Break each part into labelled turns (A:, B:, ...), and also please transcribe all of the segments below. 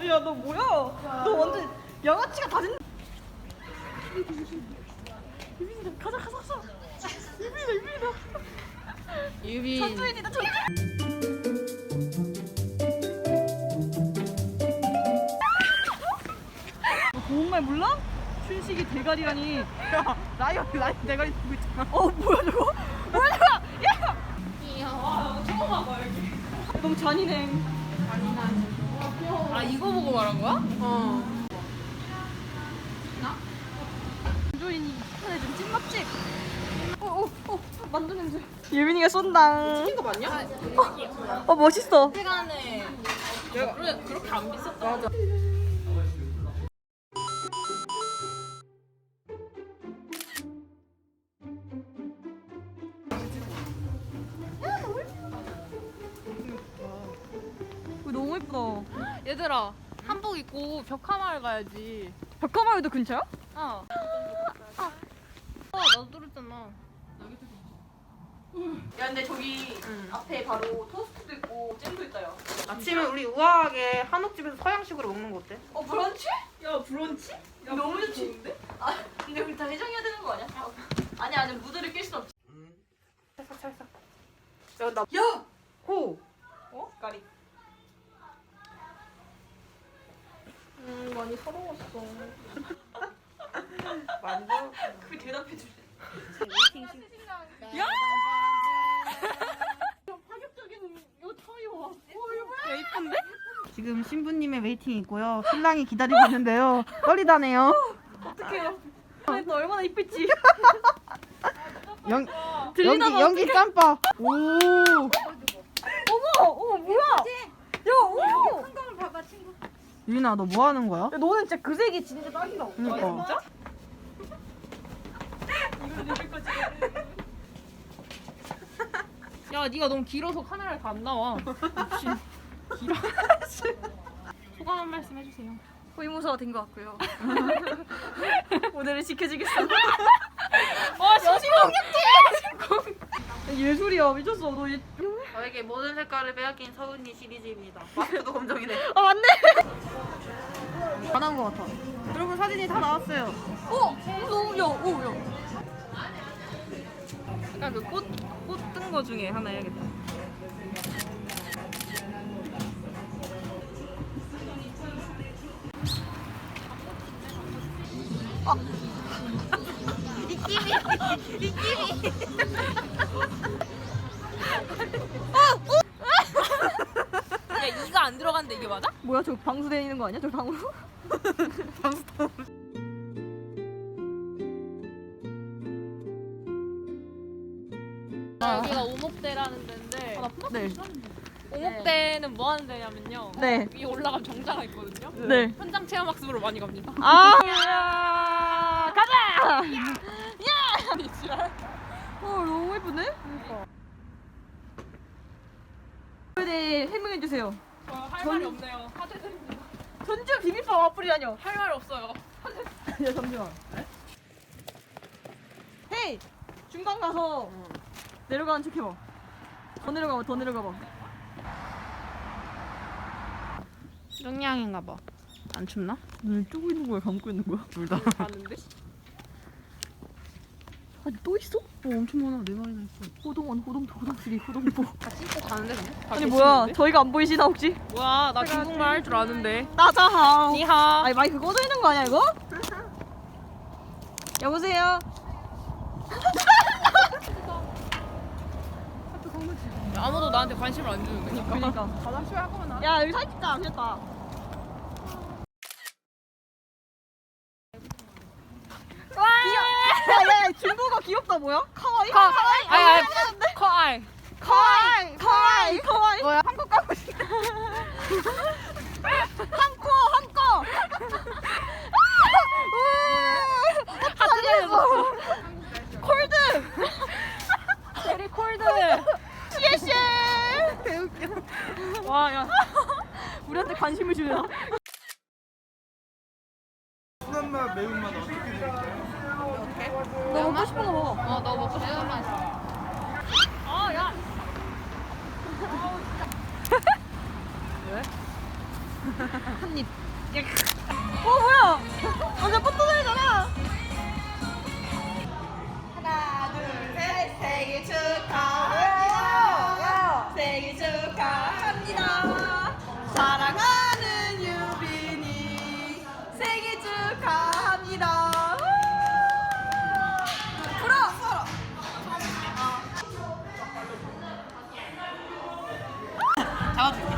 A: 야, 너 뭐야? 너 완전 양아치가 다 됐네. 유빈이다. 가자. 유빈이다.
B: 유빈.
A: 전주인이다, 전주인. 너 고운말 몰라? 춘식이 대가리라니. 야, 라이언 대가리 보고 있잖아. 뭐야 저거? 야!
B: 귀여워. 처음 와봐 여기.
A: 너무 잔인해.
B: 아 이거 보고 말한 거야?
A: 전주인이 추천해준 찐맛집. 만두 냄새. 유빈이가 쏜다.
B: 이거 맞냐?
A: 멋있어.
B: 시간에 내가 그렇게 안 비쌌다. 맞아.
A: 너무 예쁘다.
B: 얘들아 한복 입고 벽화마을 가야지.
A: 벽화마을도 근처야?
B: 나도 들었잖아.
A: 야, 근데 저기 앞에 바로 토스트도 있고 잼도 있다, 야.
C: 아침에 우리 우아하게 한옥집에서 서양식으로 먹는 거 어때?
A: 브런치? 야, 브런치? 야, 너무 좋은데? 근데 우리 다 해장해야 되는 거 아니야? 아니, 무드를 낄 순 없지.
C: 찰싹. 야, 나
A: 야!
C: 호!
A: 까리.
B: 많이 서러웠어.
C: 완전
A: 그게 대답해 줄래?
B: 야!
A: 파격적인 요 타이어.
B: 야 이쁜데?
C: 지금 신부님의 웨이팅 있고요. 신랑이 기다리고 있는데요. 떨리다네요.
A: 어떡해요. 너 얼마나 이쁠지. 들리나
C: 연기 짬바. 오.
A: 어머, 뭐야? 야, 어머.
B: 한강을 봐봐 친구.
C: 유인아, 너 뭐 하는 거야?
A: 야, 너는 진짜 그 색이 진짜 딱이다.
C: 그러니까.
A: 진짜? 이걸 내릴 거지.
B: 야 네가 너무 길어서 카메라에 다 안 나와. 미친. 길어. 소감 한 말씀 해주세요.
A: 호위무사가 된 것 같고요. 오늘을 지켜주겠습니다.
B: 와 심심공격제.
A: 예술이야, 미쳤어. 너
C: 저에게 모든 색깔을 빼앗긴 서은이 시리즈입니다. 마스크도 검정이네.
A: 맞네.
C: 다 나온 것 같아. 여러분 사진이 다 나왔어요.
A: 야.
C: 약간 그 꽃 뜬 거 중에 하나 해야겠다.
B: 야 이가 안 들어간데 이게 맞아?
A: 뭐야, 저 방수 되는 거 아니야? 저 방으로?
B: 여기가 오목대라는 데인데
A: 네.
B: 오목대는 뭐 하는 데냐면요.
A: 네.
B: 위에 올라가면 정자가 있거든요.
A: 네.
B: 현장 체험 학습으로 많이 갑니다.
A: 가자!
B: 아니 지랄.
A: 너무 예쁘네? 네, 해명해주세요.
B: 할 말이 없네요. 하대드립니다.
A: 전주 비빔밥 와플이라뇨.
B: 할 말 없어요.
A: 야, 잠시만. 헤이! 중간 가서 내려가는 척 해봐. 더 내려가봐.
C: 영양인가 봐. 안 춥나?
A: 눈을 뜨고 있는 거야, 감고 있는 거야?
C: 둘 다.
B: 가는데?
A: 아니, 또 있어?
C: 엄청 많아. 네 마리나 있어.
A: 호동포.
B: 신고 가는데 그냥?
A: 아니, 뭐야, 저희가 안 보이시나, 혹시?
B: 뭐야 나 중국말 할 줄 아는데.
A: 따자하오.
B: 니하.
A: 아니, 마이크 꺼져 있는 거 아니야, 이거? 여보세요?
B: 아무도 나한테 관심을 안 주는 거니까.
A: 그니까.
B: 화장실 할 거면 나.
A: 야, 여기 사진 찍자, 안 됐다. 야, 중국어 귀엽다, 뭐야? 카와이?
B: 아이 커아이.
A: 카와이. 뭐야? 한국 가고 싶다. 한코.
B: 하트 날려줬어.
A: 콜드.
B: 제리 콜드.
A: 시에시에.
B: 와 야.
A: 우리한테 관심을 주려나?
D: 순한 맛, 매운맛 어떻게 드릴까요?
A: 너 먹고 싶은 거 먹어.
B: 너 먹고 싶은 거 있어. 야.
A: 한입. 뭐야? 완전 뽀뽀들잖아. 하나, 둘, 셋. 생일 축하합니다. 생일 축하합니다. 사랑하는 유빈이 생일 축하합니다. 불어.
C: 잡아줄게.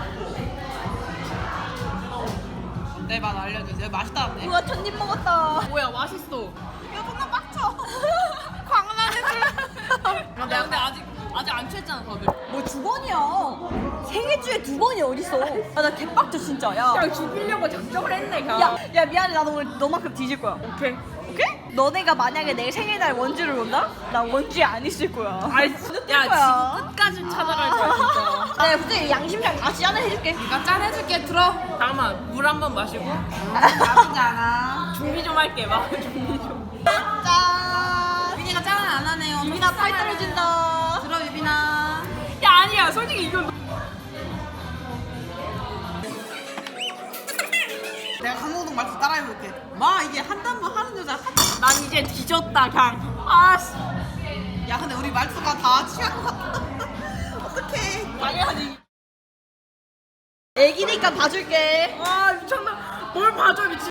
C: 내 맛 알려주세요. 맛있다는데?
A: 우와 첫입 먹었다.
B: 뭐야 맛있어.
A: 야 존나 빡쳐. 광란해질.
B: 근데 아직 안 취했잖아 다들.
A: 뭐 두 번이야. 생일주에 두 번이 어딨어. 아, 나 개빡쳐 진짜. 야.
B: 그냥 죽이려고 작정을 했네 그냥.
A: 야 미안해. 나도 오늘 너만큼 뒤질 거야.
B: 오케이.
A: 오케이? 너네가 만약에 내 생일날 원주를 온다? 나 원주에 안 있을 거야.
B: 아이
A: 야
B: 야 지금 끝까지 찾아갈 거야 진짜.
A: 내가 굳이 양심상 다 지안을 해줄게.
B: 나 짠해줄게 들어. 잠깐만 물 한 번 마시고
C: 나쁘지 않아.
B: 준비 좀 할게 막 준비 좀.
A: 짠.
C: 유빈이가 짠은 안 하네요.
A: 유빈아 팔 떨어진다.
C: 들어 유빈아.
B: 야 아니야 솔직히 이건
C: 내가 강호동 말투 따라해볼게. 마 이게 한 단만 하는 여자.
B: 난 이제 뒤졌다 그냥. 아씨.
C: 야 근데 우리 말투가 다 취한 것 같다. 어떡해.
A: 당연하지. 애기니까 봐줄게.
B: 아 미쳤나. 뭘 봐줘 미친.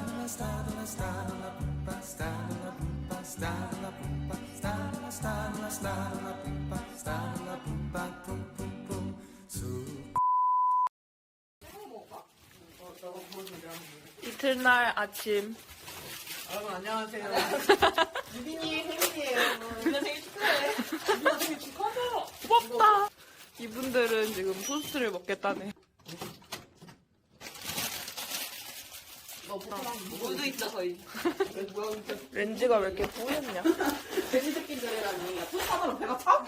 B: 이틀날 아침.
C: 여러분 안녕하세요. 유빈이 생일이에요. 유빈이 생일 축하해. 유빈이 생일 축하해.
B: 고맙다. 이분들은 지금 토스트를 먹겠다네.
A: 물도 있다 거의.
B: 렌즈가 왜 이렇게 뿌였냐?
C: 돼지 새끼들이라니. 토사으로 배가 차?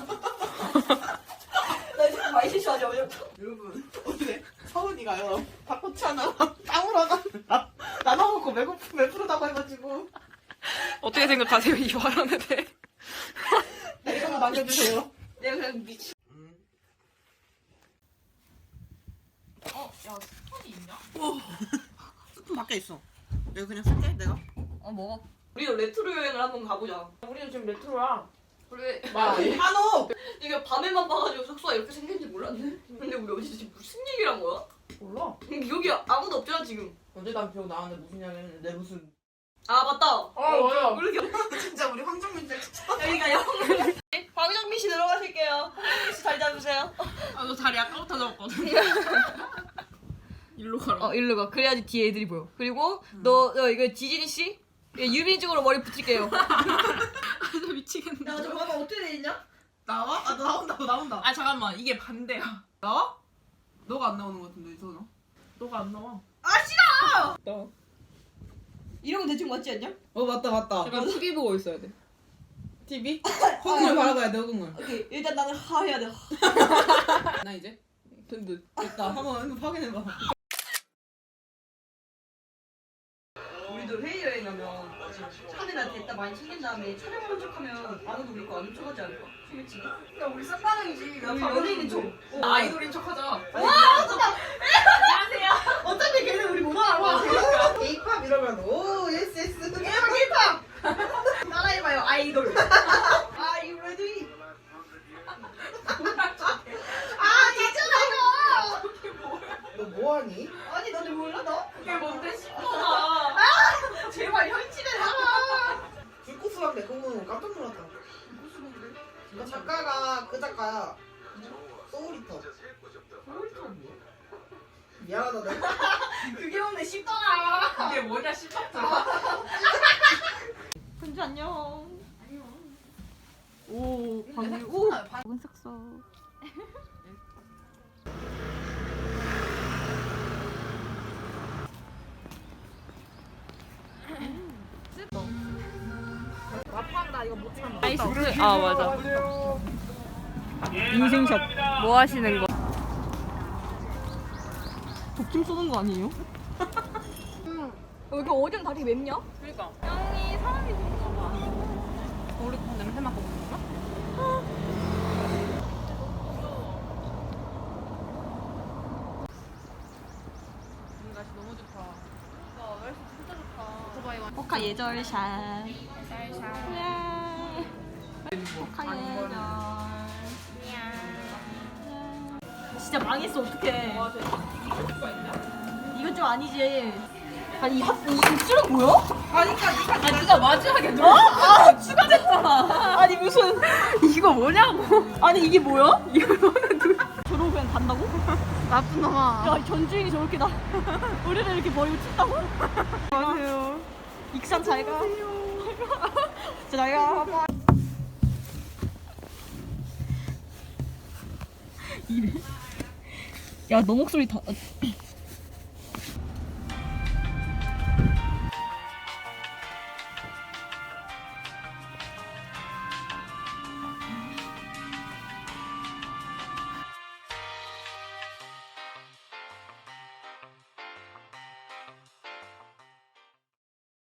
A: 나 지금 많이 실수하지 어제.
C: 여러분 오늘 서은이가요 닭꼬치 하나랑 땀을 하나 나눠 먹고 배부르다고 해가지고
B: 어떻게 생각하세요 이 발언에 대해?
C: 네, 이거 남겨주세요.
A: 내가 그냥 미친.
B: 야 스톤이 있냐?
C: 스푼 밖에 있어. 여기 그냥 쓸게 내가.
A: 먹어. 우리도 레트로 여행을 한번 가보자.
B: 우리는 지금 레트로야.
A: 그래.
C: 한옥.
A: 이게 밤에만 봐가지고 숙소가 이렇게 생긴지 몰랐네. 근데 우리 어디서 지금 무슨 얘기를 한 거야?
C: 몰라.
A: 여기 아무도 없잖아 지금.
C: 어제 난 기억 나는데 무슨 이야기 했는데 무슨.
A: 아 맞다.
B: 뭐야?
A: 왜 이렇게
C: 진짜 우리 황정민 씨.
A: 여기가 영. 황정민 씨 들어가실게요. 황정민 씨 자리 잡으세요.
B: 아너 자리 아까부터 잡았거든. 일로 가라.
A: 일로 가. 그래야지 뒤에 애들이 보여. 그리고 너 이거 지진이 씨, 유빈이 쪽으로 머리 붙일게요.
B: 아 미치겠네.
A: 야 잠깐만 어떻게 돼 있냐?
C: 나와? 아 너 나온다.
B: 아 잠깐만 이게 반대야.
C: 나와? 너가 안 나오는 것 같은데 이선아.
B: 너가 안 나와.
A: 아 싫어.
B: 너.
A: 이런 거 대충 맞지 않냐?
C: 맞다.
B: 약간 TV 보고 있어야 돼.
C: TV? 허공을 바라봐야 돼 허공을.
A: 오케이 일단 나는 하 해야 돼. 하.
C: 나 이제 든든 됐다. 한번 확인해봐.
A: 우리도 해외 여행 가면 차내나 됐다 많이 챙긴 다음에 촬영하는 척하면 아무도 우리 거 안 훔쳐가지 않을까? 소매치기? 야 우리 쌍방이지. 우리 연예인인 척.
B: 아이돌인 척하자.
A: 와 진짜. 안녕하세요. 어차피 걔는 우리 못 알아봐.
C: K-pop 이러면 오 예스
A: K-pop. 따라해봐요 아이돌. Are you ready? 아 괜찮아 이거.
C: 너 뭐하니?
A: 아니 너네 몰라 너?
B: 그게 뭔데 싶어나.
A: 제발 현실에 나와.
C: 불꽃수랑 내 공부는 깜짝 놀랐다. 그 작가가 그 작가야. 소울리터. 미안하다 내가.
A: 그게 오늘 쉽더라.
B: 이게 뭐냐 싶었다.
A: 현주 안녕. 오 방금 오.
C: 은 삭서.
B: 나이스. 아 맞아. 인생샷. 뭐 하시는 거?
A: 독침 쏘는 거 아니에요? 여기 어디는 다리 맵냐?
B: 그러니까. 형이 사람이 좋은가 봐. 우리 냄새 맡고 보는 거?
A: 포카 예절샷. 포카 예절. 진짜 망했어 어떡해. 이건 좀 아니지. 아니 이 입술은 뭐야?
B: 아니 네가 마지막에
A: 어? 아 추가됐잖아. 아니 무슨
B: 이거 뭐냐고.
A: 아니 이게 뭐야? 이거는 저러고 그냥 간다고?
B: 나쁜 놈아.
A: 야 전주인이 저렇게 나 우리를 이렇게 버리고 튄다고?
B: 안녕하세요.
A: 익산 잘 가. 진짜 잘 가. 이래. 야 너 목소리 다